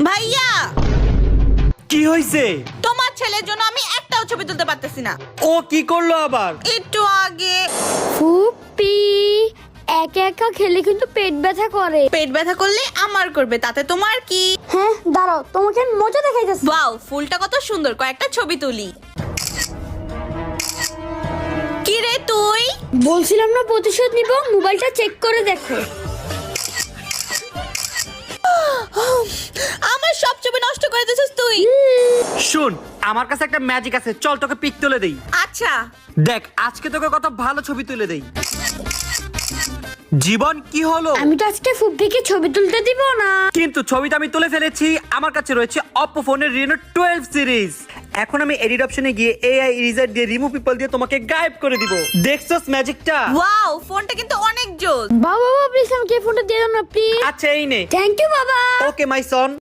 ভাইয়া কি হইছে? তোমার ছেলের জন্য আমি একটাও ছবি তুলতে পারতেছি না। ও কি করলো আবার? একটু আগে ফুপি একা একা খেলে কিন্তু পেট ব্যথা করে। পেট ব্যথা করলে আমার করবে, তাতে তোমার কি? হ্যাঁ দাঁড়াও, তোমাকে আমি মজা দেখাইতেছি। ওয়াও, ফুলটা কত সুন্দর, কয়েকটা ছবি তুলি। কি রে তুই? বলছিলাম না প্রতিশোধ নিব, মোবাইলটা চেক করে দেখো। আমার সব ছবি নষ্ট করে দিয়েছিস তুই। শুন, আমার কাছে একটা ম্যাজিক আছে, চল তোকে পিক তুলে দেই। আচ্ছা দেখ আজকে তোকে কত ভালো ছবি তুলে দেই। জীবন কি হলো? আমি তো আজকে ফুপিকে ছবি তুলতে দিব না। কিন্তু ছবিটা আমি তুলে ফেলেছি। আমার কাছে রয়েছে Oppo ফোনের Reno 12 সিরিজ। এখন আমি এডিট অপশনে গিয়ে AI ইরেজার দিয়ে রিমুভ পিপল দিয়ে তোমাকে গায়েব করে দিব। দেখছস ম্যাজিকটা? ওয়াও, ফোনটা কিন্তু অনেক জোস। বাবা প্লিজ আমাকে ফোনটা দিয়ে দাও না প্লিজ। আচ্ছা এই নে। থ্যাংক ইউ বাবা। ওকে মাই সন।